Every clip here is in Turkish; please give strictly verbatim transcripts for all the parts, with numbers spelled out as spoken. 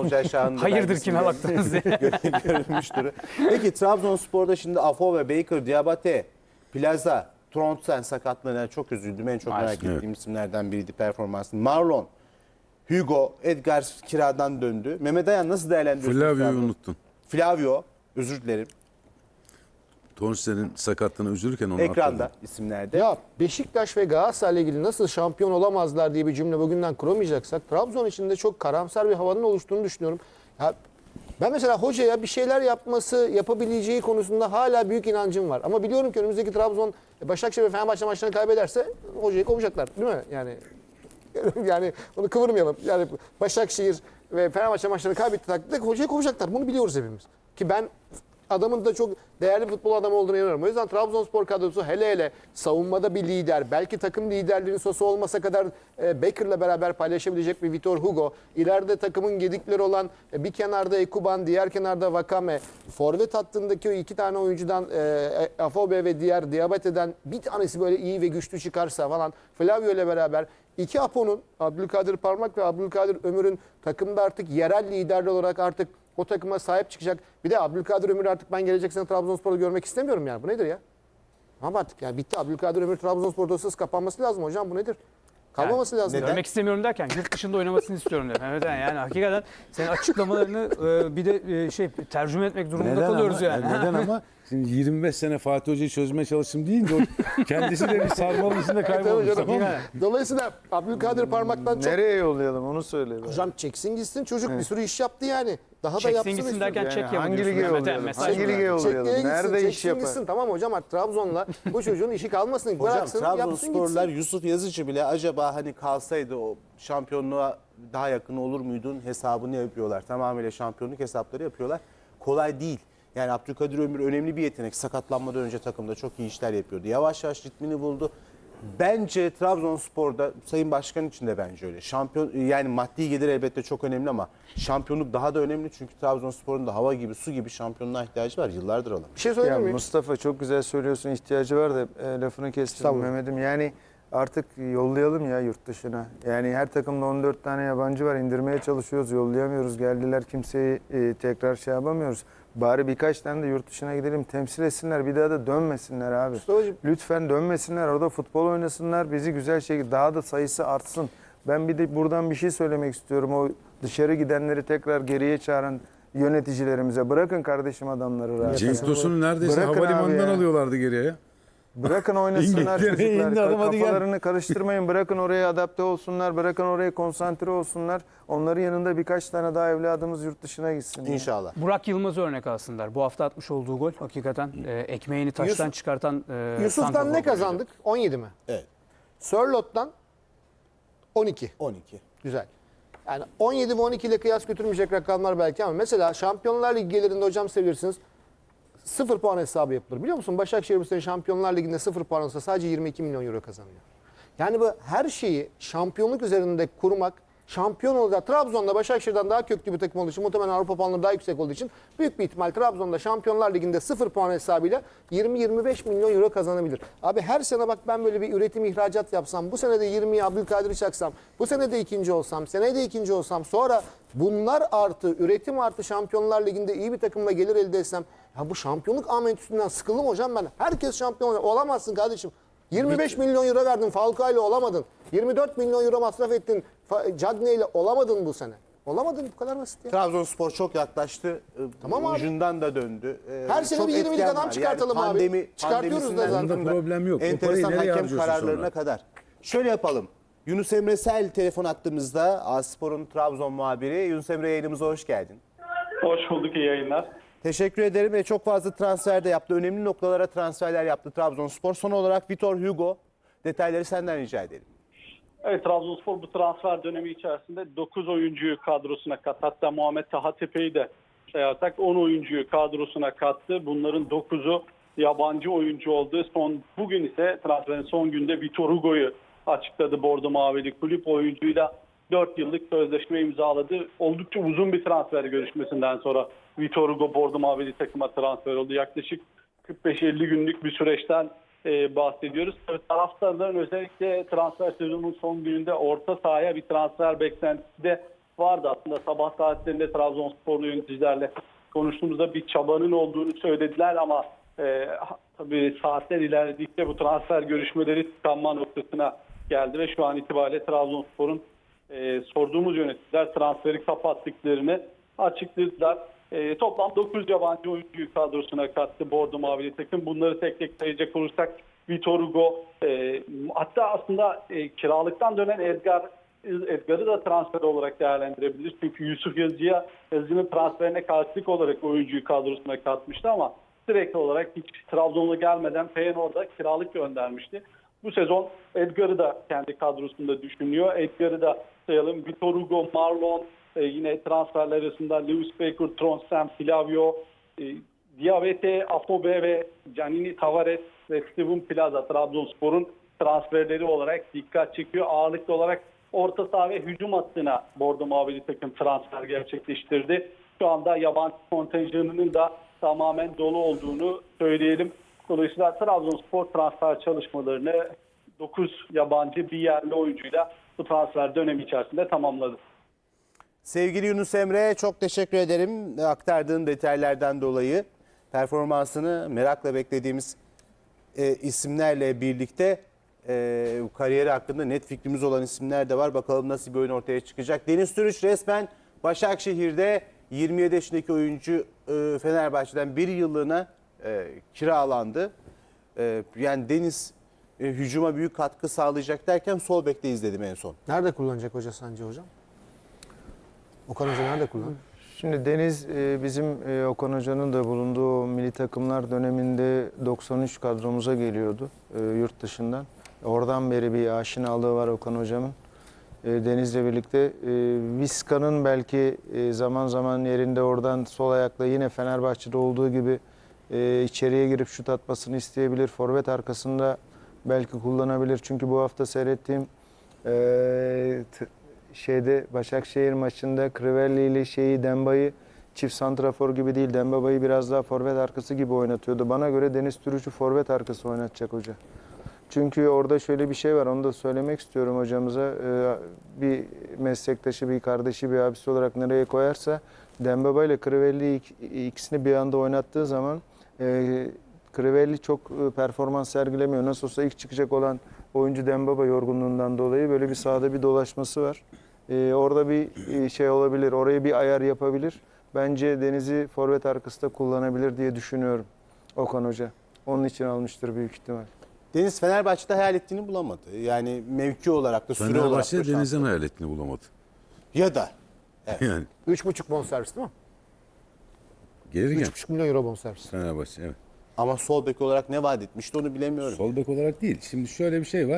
Olcay Şahan'ın da Hayırdır kime baktınız diye. görülmüştür. Peki Trabzonspor'da şimdi Afobe, Baker, Diabate, Plaza, Trondsen sakatlığına çok üzüldüm. En çok merak Maalesef. ettiğim isimlerden biriydi performansın. Marlon, Hugo, Edgar kiradan döndü. Mehmet Ayan nasıl değerlendiriyorsun? Flavio'yu unuttun. Flavio, özür dilerim. Tonsen'in sakatlığına üzülürken onu Ekranda atladım. isimlerde. Ya Beşiktaş ve Galatasaray'la ilgili nasıl şampiyon olamazlar diye bir cümle bugünden kuramayacaksak Trabzon içinde çok karamsar bir havanın oluştuğunu düşünüyorum. Ya ben mesela hocaya bir şeyler yapması, yapabileceği konusunda hala büyük inancım var. Ama biliyorum ki önümüzdeki Trabzon, Başakşehir ve Fenerbahçe maçlarını kaybederse hocayı kovacaklar, değil mi? Yani yani onu kıvırmayalım. Yani Başakşehir ve Fenerbahçe maçlarını kaybettiği takdirde hocayı kovacaklar. Bunu biliyoruz hepimiz. Ki ben adamın da çok değerli futbol adamı olduğunu inanıyorum. O yüzden Trabzonspor kadrosu hele hele savunmada bir lider, belki takım liderliğinin sosu olmasa kadar e, Baker'la beraber paylaşabilecek bir Vitor Hugo, ileride takımın gedikleri olan e, bir kenarda Ekuban, diğer kenarda Vakame, forvet hattındaki o iki tane oyuncudan e, Afobe ve diğer Diabate'den bir tanesi böyle iyi ve güçlü çıkarsa falan, Flavio ile beraber iki Apo'nun, Abdülkadir Parmak ve Abdülkadir Ömür'ün takımda artık yerel liderler olarak artık o takıma sahip çıkacak. Bir de Abdülkadir Ömür artık ben gelecek sene Trabzonspor'da görmek istemiyorum yani. Bu nedir ya? Ama artık yani bitti. Abdülkadir Ömür Trabzonspor dosyası kapanması lazım hocam. Bu nedir? Kalmaması lazım. neden? Görmek istemiyorum derken yurt dışında oynamasını istiyorum dedim. Evet yani hakikaten senin açıklamalarını e, bir de e, şey tercüme etmek durumunda kalıyoruz ama, yani. Neden ama? Şimdi yirmi beş sene Fatih Hoca'yı çözmeye çalıştım deyince o kendisi de bir sarmalın içinde kaybolmuş. Tabii Tamam canım. mı? Dolayısıyla Abdülkadir Parmak'tan çok... Nereye yollayalım onu söyle. be. Hocam çeksin gitsin çocuk bir sürü iş yaptı yani. Daha da Çeksin yapsın gitsin istiyorum. derken Yani çek yapın hangi diyorsun lige Mehmet'e, yollayalım? mesaj Hangi mı lige verdin? yollayalım? Çekmeye gitsin, Nerede iş çeksin yapar? gitsin. Tamam hocam artık Trabzon'la bu çocuğun işi kalmasın. Hocam Bıraksın, yapsın Trabzonsporlular gitsin. Yusuf Yazıcı bile acaba hani kalsaydı o şampiyonluğa daha yakın olur muydun hesabını yapıyorlar. Tamamıyla şampiyonluk hesapları yapıyorlar. Kolay değil. Yani Abdülkadir Ömür önemli bir yetenek. Sakatlanmadan önce takımda çok iyi işler yapıyordu. Yavaş yavaş ritmini buldu. Bence Trabzonspor'da Sayın Başkan için de bence öyle. Şampiyon yani maddi gelir elbette çok önemli ama şampiyonluk daha da önemli çünkü Trabzonspor'un da hava gibi su gibi şampiyonluğa ihtiyacı var. Yıllardır alamıyor. Bir şey Ya söyleyeyim mi? Mustafa çok güzel söylüyorsun, ihtiyacı var da e, lafını kestim Estağfurullah. Mehmet'im. Yani artık yollayalım ya yurt dışına. Yani her takımda on dört tane yabancı var, indirmeye çalışıyoruz, yollayamıyoruz. Geldiler, kimseyi e, tekrar şey yapamıyoruz. Bari birkaç tane de yurt dışına gidelim, temsil etsinler, bir daha da dönmesinler abi. Mustafa'cığım. Lütfen dönmesinler, orada futbol oynasınlar, bizi güzel şekilde daha da sayısı artsın. Ben bir de buradan bir şey söylemek istiyorum. O dışarı gidenleri tekrar geriye çağıran yöneticilerimize, bırakın kardeşim adamları rahat. Cenk Tosun'u neredeyse Bırakın abi havalimanından ya. alıyorlardı geriye ya. Bırakın oynasınlar İngiltere'ye çocuklar. indi adam, hadi gel. Kafalarını karıştırmayın. Bırakın oraya adapte olsunlar. Bırakın oraya konsantre olsunlar. Onların yanında birkaç tane daha evladımız yurt dışına gitsin. İnşallah. Burak Yılmaz'ı örnek alsınlar. Bu hafta atmış olduğu gol hakikaten e, ekmeğini taştan Yusuf- çıkartan e, Yusuf'tan santrafor ne golüydü. kazandık? on yedi mi? Evet. Sörlot'tan on iki. on iki. Güzel. Yani on yedi ve on iki ile kıyas götürmeyecek rakamlar belki ama mesela Şampiyonlar Ligi gelirinde hocam seviyorsunuz sıfır puan hesabı yapılır. Biliyor musun? Başakşehir bu sene Şampiyonlar Ligi'nde sıfır puan olsa sadece yirmi iki milyon euro kazanıyor. Yani bu her şeyi şampiyonluk üzerinde kurmak, şampiyon olacak. Trabzon'da Başakşehir'den daha köklü bir takım olduğu için, muhtemelen Avrupa puanları daha yüksek olduğu için büyük bir ihtimal Trabzon'da Şampiyonlar Ligi'nde sıfır puan hesabıyla yirmi yirmi beş milyon euro kazanabilir. Abi her sene bak ben böyle bir üretim ihracat yapsam, bu sene de yirmiye Abdülkadir'i çaksam, bu sene de ikinci olsam, seneye de ikinci olsam, sonra bunlar artı, üretim artı Şampiyonlar Ligi'nde iyi bir takımla gelir elde etsem, ya bu şampiyonluk amentüsünden sıkıldım hocam ben. Herkes şampiyon olacak. Olamazsın kardeşim. yirmi beş milyon euro verdin Falcao ile olamadın. yirmi dört milyon euro masraf ettin Cagney ile olamadın bu sene. Olamadın, bu kadar basit ya. Trabzonspor çok yaklaştı. Tamam abi. Ucundan da döndü. Ee, Her sene çok bir yirmilik etken adam var. çıkartalım yani abi. pandemi, Çıkartıyoruz da pandemisinden zaten. tutun da Problem yok. O Enteresan parayı nereye hakem harcıyorsun kararlarına sonra? kadar. Şöyle yapalım. Yunus Emre Sel telefon attığımızda Aspor'un Trabzon muhabiri. Yunus Emre, yayınımıza hoş geldin. Hoş bulduk, iyi yayınlar. Teşekkür ederim. ve Çok fazla transfer de yaptı. Önemli noktalara transferler yaptı Trabzonspor. Son olarak Vitor Hugo. Detayları senden rica edelim. Evet, Trabzonspor bu transfer dönemi içerisinde dokuz oyuncuyu kadrosuna kattı. Hatta Muhammed Taha Tepe'yi de sayarsak on oyuncuyu kadrosuna kattı. Bunların dokuzu yabancı oyuncu oldu. Son, bugün ise transferin son günde Vitor Hugo'yu açıkladı Bordo Mavili kulüp. Oyuncuyla dört yıllık sözleşme imzaladı. Oldukça uzun bir transfer görüşmesinden sonra Vitor Hugo Bordo Mavili takıma transfer oldu. Yaklaşık kırk beş elli günlük bir süreçten e, bahsediyoruz. Tabii taraftarların özellikle transfer sezonunun son gününde orta sahaya bir transfer beklentisi de vardı. Aslında sabah saatlerinde Trabzonsporlu yöneticilerle konuştuğumuzda bir çabanın olduğunu söylediler ama e, tabii saatler ilerledikçe bu transfer görüşmeleri tıkanma noktasına geldi ve şu an itibariyle Trabzonspor'un e, sorduğumuz yöneticiler transferi kapattıklarını açıkladılar. E, toplam dokuz yabancı oyuncuyu kadrosuna kattı Bordo Mavili takım. Bunları tek tek sayacak olursak Vitor Hugo, e, hatta aslında e, kiralıktan dönen Edgar Edgar'ı da transfer olarak değerlendirebiliriz. Çünkü Yusuf Yazıcı'ya Yazıcı'nın transferine karşılık olarak oyuncuyu kadrosuna katmıştı ama sürekli olarak hiç Trabzon'a gelmeden Feyenoord'a kiralık göndermişti. Bu sezon Edgar'ı da kendi kadrosunda düşünüyor. Edgar'ı da sayalım. Vitor Hugo, Marlon, e, yine transferler arasında Lewis Baker, Tronsem, Flavio, e, Diabete, Afobe ve Giannini Tavares ve Steven Plaza Trabzonspor'un transferleri olarak dikkat çekiyor. Ağırlıklı olarak orta saha ve hücum hattına Bordo Mavili takım transfer gerçekleştirdi. Şu anda yabancı kontenjanının da tamamen dolu olduğunu söyleyelim. Dolayısıyla Trabzonspor transfer çalışmalarını dokuz yabancı bir yerli oyuncuyla bu transfer dönemi içerisinde tamamladı. Sevgili Yunus Emre, çok teşekkür ederim aktardığın detaylardan dolayı. Performansını merakla beklediğimiz e, isimlerle birlikte e, kariyeri hakkında net fikrimiz olan isimler de var. Bakalım nasıl bir oyun ortaya çıkacak. Deniz Türüç resmen Başakşehir'de yirmi yedi yaşındaki oyuncu e, Fenerbahçe'den bir yıllığına e, kiralandı. E, yani Deniz e, hücuma büyük katkı sağlayacak derken sol bekte izledim en son. Nerede kullanacak hoca sence hocam? Okan Hoca nerede kullanacak? Şimdi Deniz e, bizim e, Okan Hoca'nın da bulunduğu o milli takımlar döneminde doksan üç kadromuza geliyordu e, yurt dışından. Oradan beri bir aşinalığı var Okan Hocam'ın. E, Deniz'le birlikte e, Vizca'nın belki e, zaman zaman yerinde oradan sol ayakla yine Fenerbahçe'de olduğu gibi e, içeriye girip şut atmasını isteyebilir. Forvet arkasında belki kullanabilir. Çünkü bu hafta seyrettiğim e, t- şeyde Başakşehir maçında Crivelli ile şeyi Demba'yı çift santrafor gibi değil, Dembaba'yı biraz daha forvet arkası gibi oynatıyordu. Bana göre Deniz Türüç'ü forvet arkası oynatacak hoca. Çünkü orada şöyle bir şey var, onu da söylemek istiyorum hocamıza. Ee, bir meslektaşı, bir kardeşi, bir abisi olarak nereye koyarsa Dembaba ile Crivelli ikisini bir anda oynattığı zaman e, Crivelli çok performans sergilemiyor. Nasıl olsa ilk çıkacak olan oyuncu Dembaba yorgunluğundan dolayı böyle bir sahada bir dolaşması var. Ee, orada bir şey olabilir, oraya bir ayar yapabilir. Bence Deniz'i forvet arkasında kullanabilir diye düşünüyorum Okan Hoca. Onun için almıştır büyük ihtimal. Deniz Fenerbahçe'de hayal ettiğini bulamadı. Yani mevki olarak da süre olarak da Fenerbahçe şanslı. Deniz'den hayal ettiğini bulamadı. Ya da Yani üç buçuk bonservis değil mi? gelirken üç buçuk milyon euro bonservis. Fenerbahçe evet. ama sol bek olarak ne vaat etmişti onu bilemiyorum. Sol bek olarak değil. Şimdi şöyle bir şey var.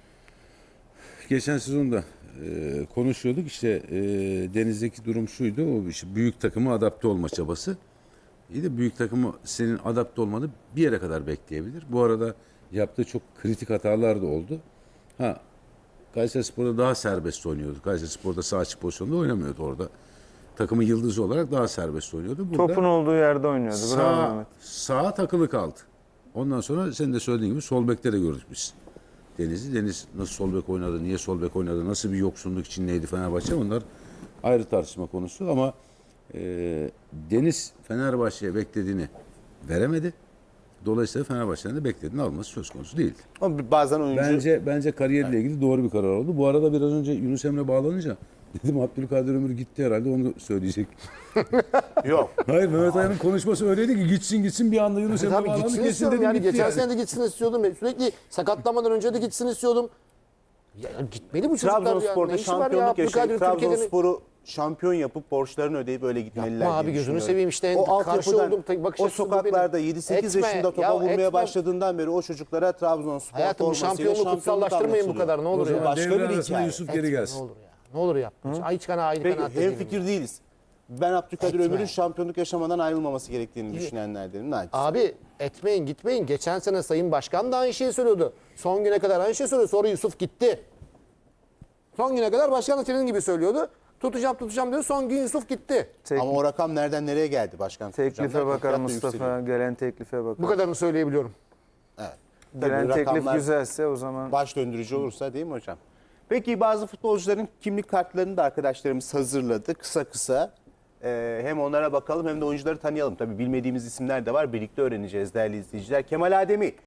Geçen sezonda e, konuşuyorduk işte e, Deniz'deki durum şuydu. O işte büyük takıma adapte olma çabası. İyi de büyük takımı senin adapte olmanı bir yere kadar bekleyebilir. Bu arada yaptığı çok kritik hatalar da oldu. Ha Kayserispor'da daha serbest oynuyordu. Kayserispor'da sağ açık pozisyonda oynamıyordu orada. Takımın yıldızı olarak daha serbest oynuyordu. Burada Topun olduğu yerde oynuyordu. Bravo Sağ, Mehmet. sağa takılı kaldı. Ondan sonra senin de söylediğin gibi sol bekte de gördük biz Deniz'i. Deniz nasıl sol bek oynadı, niye sol bek oynadı, nasıl bir yoksunluk içindeydi Fenerbahçe, onlar ayrı tartışma konusu. Ama e, Deniz Fenerbahçe'ye beklediğini veremedi. Dolayısıyla Fenerbahçe'nin de beklediğini alması söz konusu değildi. Ama bazen oyuncu Bence bence kariyeriyle ilgili doğru bir karar oldu. Bu arada biraz önce Yunus Emre bağlanınca dedim Abdülkadir Ömür gitti herhalde, onu söyleyecek. yok. Hayır, Mehmet Aya'nın konuşması öyleydi ki gitsin gitsin bir anda Yunus Emre Tabii bağlandı, gitsin kesin istiyorum dedim yani. gitti Geçen yani. sene de gitsin istiyordum. Sürekli sakatlanmadan önce de gitsin istiyordum. Ya gitmeli bu çocuklar ya. Trabzonspor'da Ne işi var ya? şampiyonluk yaşayıp Abdülkadir Türkiye'nin... Trabzonspor'u şampiyon yapıp borçlarını ödeyip öyle gitmeliler Yapma diye abi, gözünü düşünüyorum. seveyim işte. O Karşı altyapıdan, olduğum tek bakış o açısı bu sokaklarda benim. yedi sekiz Etme, yaşında topa ya vurmaya etme. başladığından beri o çocuklara Trabzonspor Hayatım, bu formasıyla şampiyonluğu şampiyonluk kutsallaştırmayın bu anlatılıyor. kadar, ne olur O zaman ya. Başka devre bir arasında hikaye. Yusuf geri Etme, gelsin. Ne olur ya. Ne olur yapma. Ayç kana aynı Peki kanaat hem dediğim fikir gibi. değiliz. Ben Abdülkadir Etme. Ömür'ün şampiyonluk yaşamadan ayrılmaması gerektiğini düşünenlerdenim. Naçiz. Abi etmeyin gitmeyin. Geçen sene Sayın Başkan da aynı şeyi söylüyordu. Son güne kadar aynı şeyi söylüyordu. Sonra Yusuf gitti. Son güne kadar başkan da senin gibi söylüyordu. Tutacağım tutacağım diyor. Son gün Yusuf gitti. Tek- Ama o rakam nereden nereye geldi başkan? teklife Tutacağım bakar derken Mustafa. yükseliyor. Gelen teklife bakar. Bu kadarını söyleyebiliyorum. Evet. Tabii Gelen teklif rakamlar güzelse o zaman baş döndürücü olursa değil mi hocam? Peki bazı futbolcuların kimlik kartlarını da arkadaşlarımız hazırladı kısa kısa. Ee, hem onlara bakalım hem de oyuncuları tanıyalım. Tabii bilmediğimiz isimler de var. Birlikte öğreneceğiz değerli izleyiciler. Kemal Ademi